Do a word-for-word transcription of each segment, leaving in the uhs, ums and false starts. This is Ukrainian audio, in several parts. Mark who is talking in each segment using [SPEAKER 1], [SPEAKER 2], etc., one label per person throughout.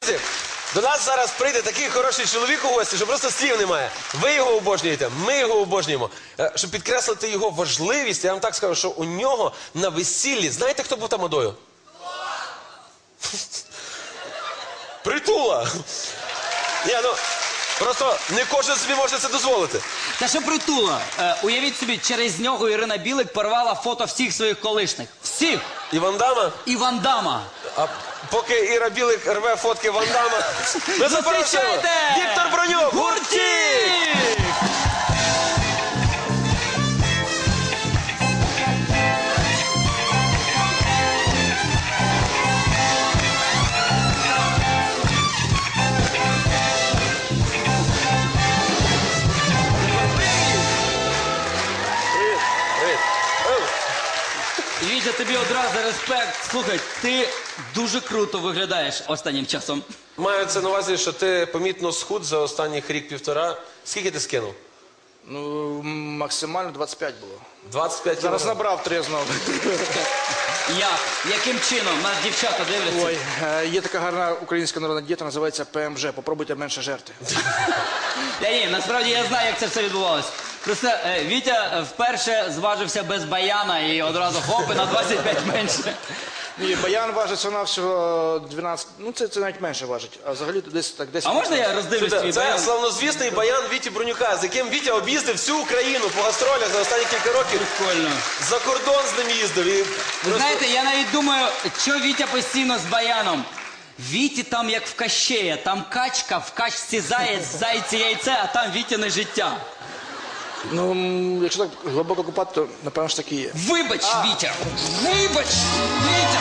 [SPEAKER 1] До нас зараз прийде такий хороший чоловік у гості, що просто слів немає. Ви його обожнюєте, ми його обожнюємо. Щоб підкреслити його важливість, я вам так скажу, що у нього на весіллі, знаєте, хто був тамадою? Притула! Ні, ну, просто не кожен собі може це дозволити.
[SPEAKER 2] Та що Притула? Е, уявіть собі, через нього Ірина Білик порвала фото всіх своїх колишніх. Всіх!
[SPEAKER 1] І Ван Дамма?
[SPEAKER 2] І Ван Дамма.
[SPEAKER 1] А поки Іра Білик рве фотки Ван Дамма, ми запрошуємо Віктор Бронюк! Гуртік!
[SPEAKER 2] Вітя, тобі одразу респект. Слухай, ти дуже круто виглядаєш останнім часом.
[SPEAKER 1] Маю це на увазі, що ти помітно схуд за останніх рік-півтора. Скільки ти скинув?
[SPEAKER 3] Ну, максимально двадцять п'ять було.
[SPEAKER 1] двадцять п'ять
[SPEAKER 3] Зараз
[SPEAKER 1] кілограм.
[SPEAKER 3] набрав три знову.
[SPEAKER 2] Як? Яким чином? Нас дівчата дивляться.
[SPEAKER 3] Ой, е, є така гарна українська народна дієта, називається Пе Ем Же. Попробуйте менше жерти.
[SPEAKER 2] Я ні, насправді я знаю, як це все відбувалося. Просто е, Вітя вперше зважився без баяна і одразу хоп, і на двадцять п'ять менше.
[SPEAKER 3] Ні, баян важить всього всього дванадцять, ну це, це навіть менше важить. А взагалі то десь так десять.
[SPEAKER 2] А можна я роздивлюсь твій
[SPEAKER 1] Це
[SPEAKER 2] баян?
[SPEAKER 1] славнозвісний баян Віті Бронюка, з яким Вітя об'їздив всю Україну по гастролях за останні кілька років.
[SPEAKER 2] Прикольно.
[SPEAKER 1] За кордон з ним їздив. І
[SPEAKER 2] Ви
[SPEAKER 1] просто...
[SPEAKER 2] знаєте, я навіть думаю, що Вітя постійно з баяном. Віті там як в Кащея, там качка, в качці заєць, в зайці яйце, а там Вітяне життя.
[SPEAKER 3] Ну, м, якщо так глибоко купати, то напевно ж таки є.
[SPEAKER 2] Вибач, Вітя! Вибач, Вітя!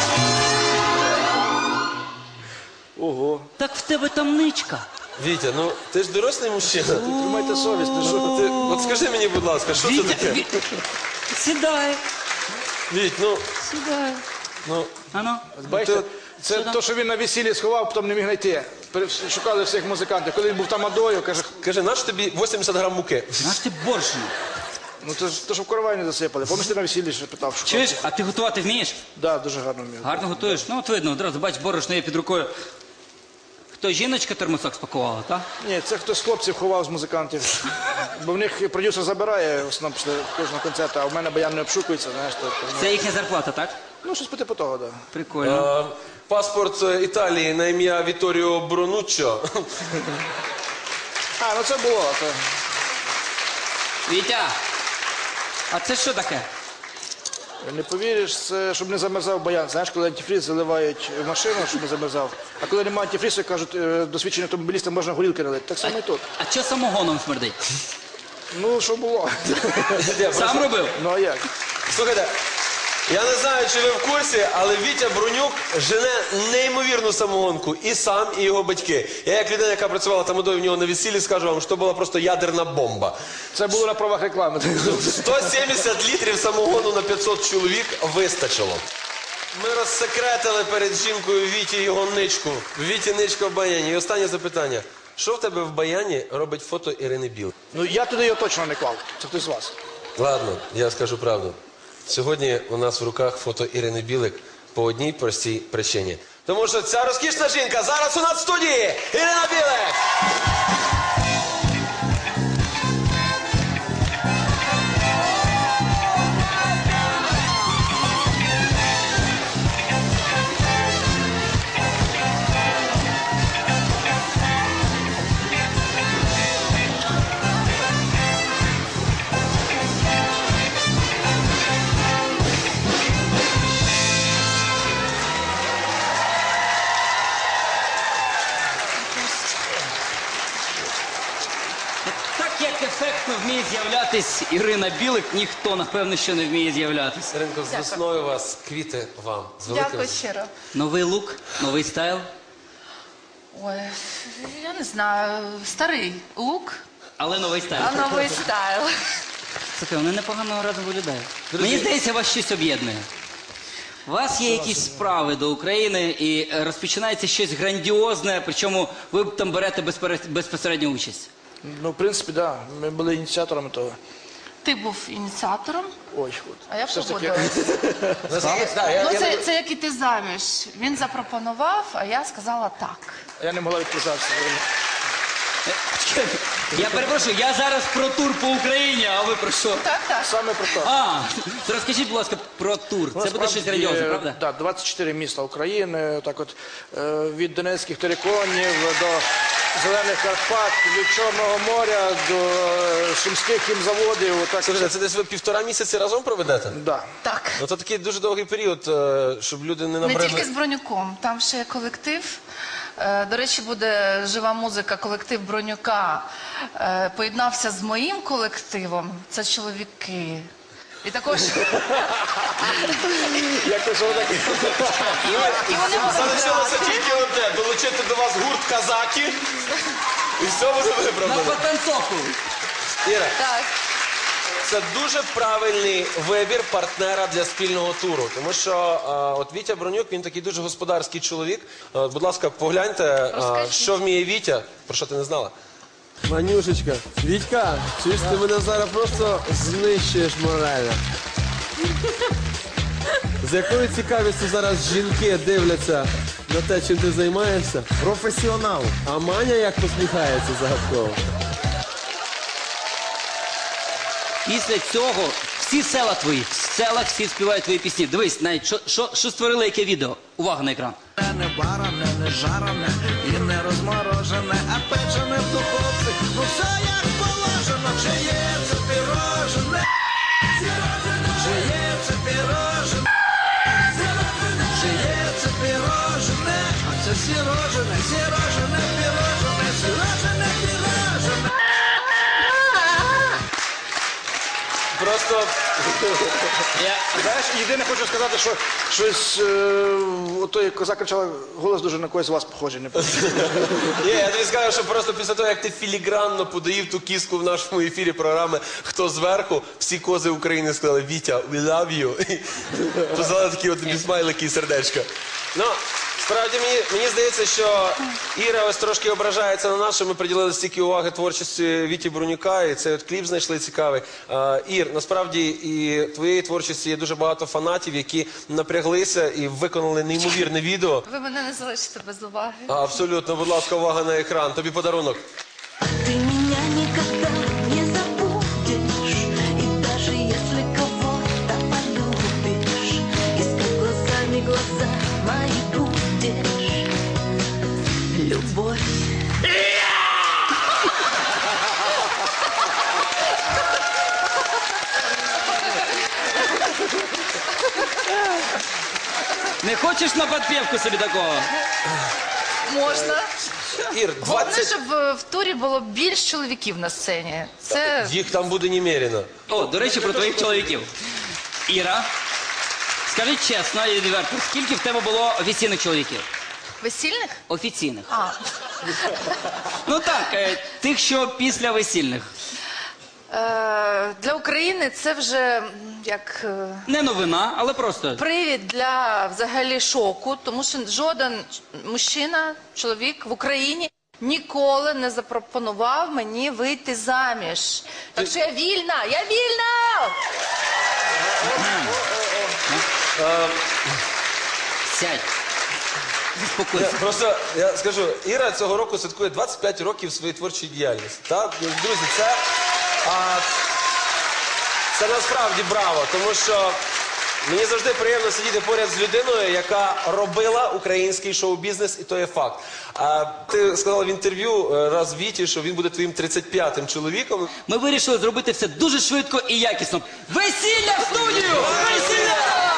[SPEAKER 3] Ого.
[SPEAKER 2] Так в тебе там ничка.
[SPEAKER 1] Вітя, ну ти ж дорослий мужчина.
[SPEAKER 3] Тримайте совість, ти що?
[SPEAKER 1] Ти, от скажи мені, будь ласка, що це
[SPEAKER 2] Вітя,
[SPEAKER 1] таке?
[SPEAKER 2] Ві... сідай,
[SPEAKER 1] Віть, ну,
[SPEAKER 2] сідай.
[SPEAKER 1] ну,
[SPEAKER 2] Ано.
[SPEAKER 3] Бачите,
[SPEAKER 1] Ти-
[SPEAKER 3] це
[SPEAKER 2] Що там?
[SPEAKER 3] то, що він на весіллі сховав, потім не міг знайти. Пере- Шукали всіх музикантів. Коли він був тамадою, каже,
[SPEAKER 1] кажи, наш тобі вісімдесят грам муки?
[SPEAKER 2] Наш ти борщ.
[SPEAKER 3] ну це ж то, що в коровайні засипали. Пам'ятаєш, ти на весіллі ще питав, шукав?
[SPEAKER 2] Чуєш, а ти готувати вмієш?
[SPEAKER 3] Да, дуже гарно вмів.
[SPEAKER 2] Гарно готуєш? Ну от видно, одразу бач, борошно є під рукою. Хто, жіночка термосок спакувала, так?
[SPEAKER 3] Ні, це хтось з хлопців ховав з музикантів. Бо в них продюсер забирає в основному після кожного концерту, а в мене баян не обшукується, знаєш. То, то,
[SPEAKER 2] Це їхня зарплата, так?
[SPEAKER 3] ну, щось по типу того, так. Да.
[SPEAKER 2] Прикольно.
[SPEAKER 1] Е, Паспорт е, Італії на ім'я Віторіо Бронуччо.
[SPEAKER 3] А, ну це було. То...
[SPEAKER 2] Вітя, а це що таке?
[SPEAKER 3] Не повіриш, це щоб не замерзав баян. Знаєш, коли антифріз заливають в машину, щоб не замерзав. А коли немає антифрізу, кажуть, е, досвідченим автомобілістам можна горілки налити. Так само і тут.
[SPEAKER 2] А що самогоном смердить?
[SPEAKER 3] Ну, що було?
[SPEAKER 2] Сам робив?
[SPEAKER 3] Ну, а як?
[SPEAKER 1] Слухайте, я не знаю, чи ви в курсі, але Вітя Бронюк жене неймовірну самогонку. І сам, і його батьки. Я як людина, яка працювала тамадою в нього на весіллі, скажу вам, що це була просто ядерна бомба.
[SPEAKER 3] Це було на правах реклами.
[SPEAKER 1] сто сімдесят літрів самогону на п'ятсот чоловік вистачило. Ми розсекретили перед жінкою Віті його ничку. Віті ничка в баяні. І останнє запитання. Що в тебе в баяні робить фото Ірини Білик?
[SPEAKER 3] Ну, я туди його точно не клав. Це хтось з вас.
[SPEAKER 1] Ладно, я скажу правду. Сьогодні у нас в руках фото Ірини Білик по одній простій причині. Тому що ця розкішна жінка зараз у нас в студії! Ірина Білик!
[SPEAKER 2] Так як ефектно вміє з'являтись Ірина Білик, ніхто, напевно, що не вміє з'являтись.
[SPEAKER 1] Іринко, з весною вас, квіти вам. З великим...
[SPEAKER 4] Дякую щиро.
[SPEAKER 2] Новий лук, новий стайл.
[SPEAKER 4] Ой, я не знаю, старий лук,
[SPEAKER 2] Але новий стайл.
[SPEAKER 4] а новий стайл.
[SPEAKER 2] Слухай, вони непогано разом виглядають.
[SPEAKER 1] Друзі.
[SPEAKER 2] Мені здається, вас щось об'єднує. У вас є якісь справи до України і е, розпочинається щось грандіозне, причому ви там берете безпере- безпосередню участь.
[SPEAKER 3] Ну, в принципі, так. Да. Ми були ініціаторами того.
[SPEAKER 4] Ти був ініціатором,
[SPEAKER 3] Ой, от.
[SPEAKER 4] а я
[SPEAKER 3] Все ж таки,
[SPEAKER 4] погодилась.
[SPEAKER 1] Наскільки- да, я-
[SPEAKER 4] Ну,
[SPEAKER 1] я
[SPEAKER 4] це,
[SPEAKER 1] не-
[SPEAKER 4] це як іти заміж. Він запропонував, а я сказала так.
[SPEAKER 3] я не могла відказатися.
[SPEAKER 2] Я перепрошую, я зараз про тур по Україні, а ви про що?
[SPEAKER 4] Так, так.
[SPEAKER 3] Саме про те.
[SPEAKER 2] А, то розкажіть, будь ласка, про тур. Це буде щось грандіозне, правда?
[SPEAKER 3] Так, двадцять чотири міста України, так от, е, від Донецьких териконів до Зелених Карпат, від Чорного моря до е, Сумських хімзаводів. Так,
[SPEAKER 1] Слухайте, це десь ви півтора місяці разом проведете?
[SPEAKER 3] да.
[SPEAKER 4] Так.
[SPEAKER 1] Ну це такий дуже довгий період, е, щоб люди не
[SPEAKER 4] Не
[SPEAKER 1] набрали.
[SPEAKER 4] тільки з Бронюком, там ще є колектив. Е, До речі, буде жива музика, колектив Бронюка. Е, Поєднався з моїм колективом. Це чоловіки. І також
[SPEAKER 3] Якось воно таке.
[SPEAKER 4] і вони будуть
[SPEAKER 1] Залишилося
[SPEAKER 4] грати.
[SPEAKER 1] тільки одне – долучити до вас гурт казаки, і все буде
[SPEAKER 2] На
[SPEAKER 1] виправдано.
[SPEAKER 2] потанцовку.
[SPEAKER 1] Іра,
[SPEAKER 4] Так.
[SPEAKER 1] це дуже правильний вибір партнера для спільного туру. Тому що а, от Вітя Бронюк, він такий дуже господарський чоловік. А, будь ласка, погляньте, а,
[SPEAKER 4] Розкажіть.
[SPEAKER 1] що вміє Вітя. Про що ти не знала? Манюшечка, Вітька, чуєш, ти мене зараз просто знищуєш морально. З якою цікавістю зараз жінки дивляться на те, чим ти займаєшся?
[SPEAKER 5] Професіонал.
[SPEAKER 1] А Маня як посміхається загадково.
[SPEAKER 2] Після цього всі села твої, в селах всі співають твої пісні. Дивись, навіть що, що, що створили, яке відео. Увага на екран.
[SPEAKER 5] Не баране, не жарене і не розморожене, а печене в духовці. Ну все як положено, чи є це пірожене, чи є це пірожене, чи є це пірожене, а це сірожене, сірожене, пірожене, сірожене, пірожене.
[SPEAKER 1] Просто
[SPEAKER 3] Знаєш, єдине хочу сказати, що щось, е, ото як козак кричала, голос дуже на когось з вас похожий. Не
[SPEAKER 1] Ні, я тобі скажу, що просто після того, як ти філігранно подаїв ту кіску в нашому ефірі програми «Хто зверху», всі кози України сказали «Вітя, we love you». І позвали такі от тобі смайлики і сердечка. Ну, справді, мені, мені здається, що Іра ось трошки ображається на нас, що ми приділили стільки уваги творчості Віті Бронюка, і цей от кліп знайшли цікавий. А, Ір, насправді і твоєї творчості є дуже багато фанатів, які напряглися і виконали неймовірне відео.
[SPEAKER 4] Ви мене не залишите без уваги.
[SPEAKER 1] А, абсолютно, будь ласка, увага на екран. Тобі подарунок.
[SPEAKER 6] Ты меня никогда не забудешь, и даже если кого-то полюбишь, искать глазами глаза мои будешь. Любовь.
[SPEAKER 2] Не хочеш на підпівку собі такого?
[SPEAKER 4] Можна.
[SPEAKER 1] Ір,
[SPEAKER 4] Головне,
[SPEAKER 1] двадцять...
[SPEAKER 4] щоб е, в турі було більш чоловіків на сцені. Це
[SPEAKER 1] Їх там буде немерено.
[SPEAKER 2] О, до речі, про твоїх чоловіків. Іра, скажи чесно і відверто, скільки в тебе було офіційних чоловіків?
[SPEAKER 4] весільних?
[SPEAKER 2] Офіційних.
[SPEAKER 4] А,
[SPEAKER 2] Ну так, е, тих, що після весільних.
[SPEAKER 4] е, для України це вже м, як е,
[SPEAKER 2] Не новина, але просто.
[SPEAKER 4] привід для взагалі шоку, тому що жоден мужчина, чоловік в Україні ніколи не запропонував мені вийти заміж. Так що я вільна, я вільна!
[SPEAKER 2] Сядь. Заспокойся.
[SPEAKER 1] Просто я скажу, Іра цього року святкує двадцять п'ять років своєї творчої діяльності. Так? Друзі, це, а, це насправді браво, тому що мені завжди приємно сидіти поряд з людиною, яка робила український шоу-бізнес, і то є факт. А ти сказала в інтерв'ю е, раз Віті, що він буде твоїм тридцять п'ятим чоловіком.
[SPEAKER 2] Ми вирішили зробити все дуже швидко і якісно. Весілля в студію! Весілля!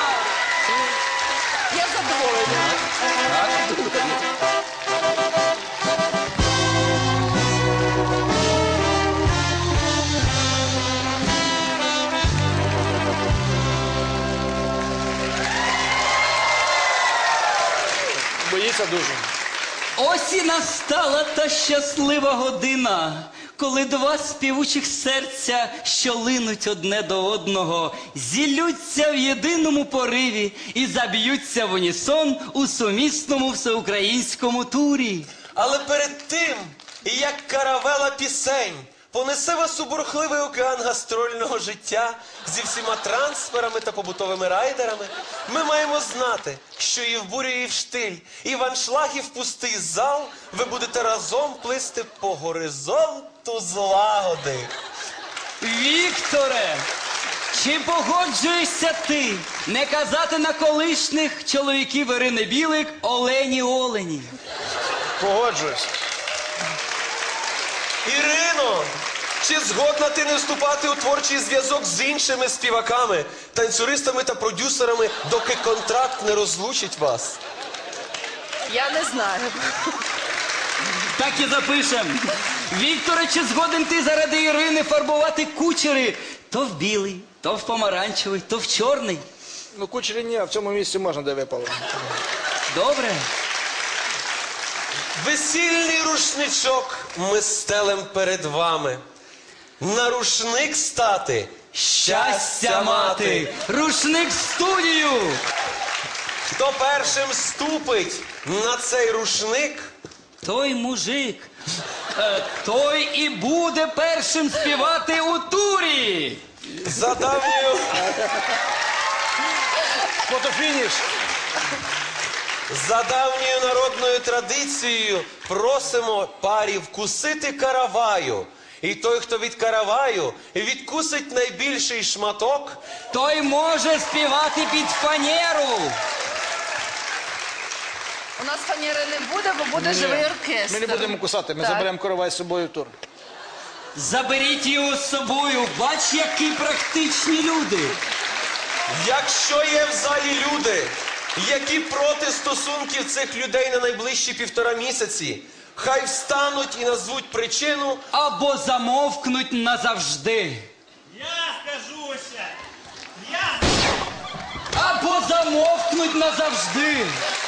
[SPEAKER 4] Я задоволена.
[SPEAKER 3] боїться дуже.
[SPEAKER 2] Ось і настала та щаслива година, коли два співучих серця, що линуть одне до одного, зіллються в єдиному пориві і заб'ються в унісон у сумісному всеукраїнському турі.
[SPEAKER 1] Але перед тим, і як каравела пісень, понесе вас у бурхливий океан гастрольного життя зі всіма трансферами та побутовими райдерами. Ми маємо знати, що і в бурю, і в штиль, і в аншлаг, і в пустий зал ви будете разом плисти по горизонту злагоди.
[SPEAKER 2] Вікторе, чи погоджуєшся ти не казати на колишніх чоловіків Ірини Білик Олені Олені?
[SPEAKER 3] Погоджуюсь.
[SPEAKER 1] Ірино, чи згодна ти не вступати у творчий зв'язок з іншими співаками, танцюристами та продюсерами, доки контракт не розлучить вас?
[SPEAKER 4] Я не знаю.
[SPEAKER 2] Так і запишем. Вікторе, чи згоден ти заради Ірини фарбувати кучери то в білий, то в помаранчевий, то в чорний?
[SPEAKER 3] Ну, кучері ні, а в цьому місці можна, де випало.
[SPEAKER 2] Добре.
[SPEAKER 1] Весільний рушничок ми стелем перед вами. На рушник стати щастя мати.
[SPEAKER 2] Рушник в студію.
[SPEAKER 1] Хто першим ступить на цей рушник,
[SPEAKER 2] Той мужик, е, той і буде першим співати у турі.
[SPEAKER 1] за давньою,
[SPEAKER 3] Фотофініш.
[SPEAKER 1] за давньою народною традицією просимо парі вкусити караваю. І той, хто від караваю відкусить найбільший шматок,
[SPEAKER 2] Той може співати під фанеру.
[SPEAKER 4] У нас фанери не буде, бо буде живий оркестр.
[SPEAKER 3] Ми не будемо кусати, ми
[SPEAKER 4] Так.
[SPEAKER 3] заберемо коровай з собою в тур.
[SPEAKER 2] Заберіть його з собою. Бач, які практичні люди.
[SPEAKER 1] якщо є в залі люди, які проти стосунків цих людей на найближчі півтора місяці, хай встануть і назвуть причину.
[SPEAKER 2] Або замовкнуть назавжди.
[SPEAKER 7] Я скажуся! Я!
[SPEAKER 2] Або замовкнуть назавжди.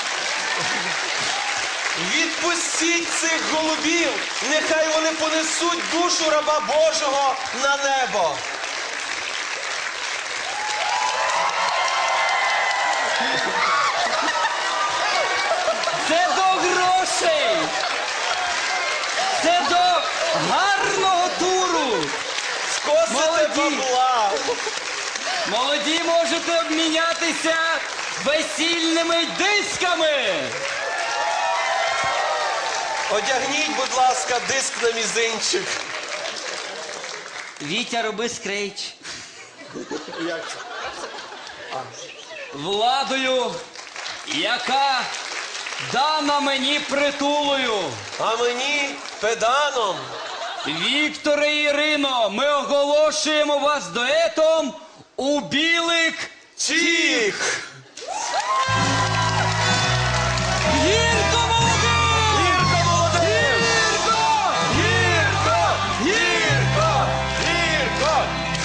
[SPEAKER 1] Відпустіть цих голубів, нехай вони понесуть душу раба Божого на небо.
[SPEAKER 2] Це до грошей. Це до гарного туру.
[SPEAKER 1] Скосите
[SPEAKER 2] Молоді.
[SPEAKER 1] бабла.
[SPEAKER 2] Молоді можете обмінятися весільними дисками.
[SPEAKER 1] Одягніть, будь ласка, диск на мізинчик.
[SPEAKER 2] Вітя, роби скрейч.
[SPEAKER 3] Як це?
[SPEAKER 2] Владою, яка дана мені притулою.
[SPEAKER 1] А мені педаном.
[SPEAKER 2] Вікторе і Ірино, ми оголошуємо вас дуетом у білик
[SPEAKER 1] Чік!
[SPEAKER 2] Гірко молодим!
[SPEAKER 1] Гірко молодим!
[SPEAKER 2] Гірко!
[SPEAKER 1] Гірко! Гірко! Гірко!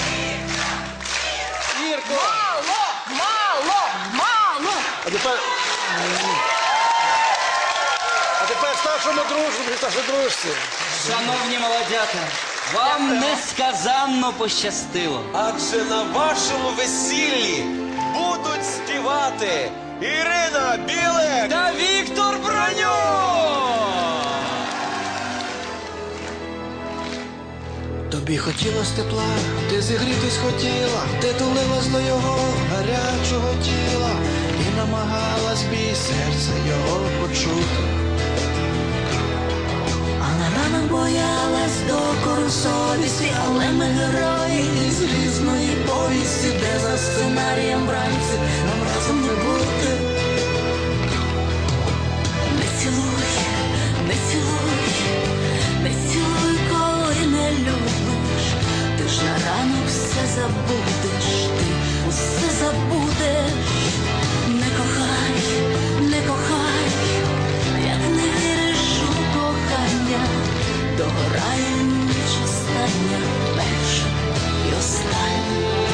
[SPEAKER 2] Гірко!
[SPEAKER 4] Мало, мало, мало.
[SPEAKER 3] А тепер... А тепер старшому дружбі, старшій дружці.
[SPEAKER 2] Шановні молодята, вам несказанно пощастило.
[SPEAKER 1] Адже на вашому весіллі будуть співати Ірина Білик
[SPEAKER 2] Та Віктор Броньо!
[SPEAKER 5] Тобі хотілось тепла, ти зігрітись хотіла, ти тулилась до його гарячого тіла і намагалась бій серця його почути. А на ранок боялась докору совісті, але ми герої із різної повісті, де за сценарієм вранці нам разом не бути. Не цілуй, не цілуй, не цілуй, коли не любиш. Ти ж на ранок все забудеш, ти усе забудеш. Не кохай, не кохай, як не віриш у кохання, догорає ніч остання, перша і остання.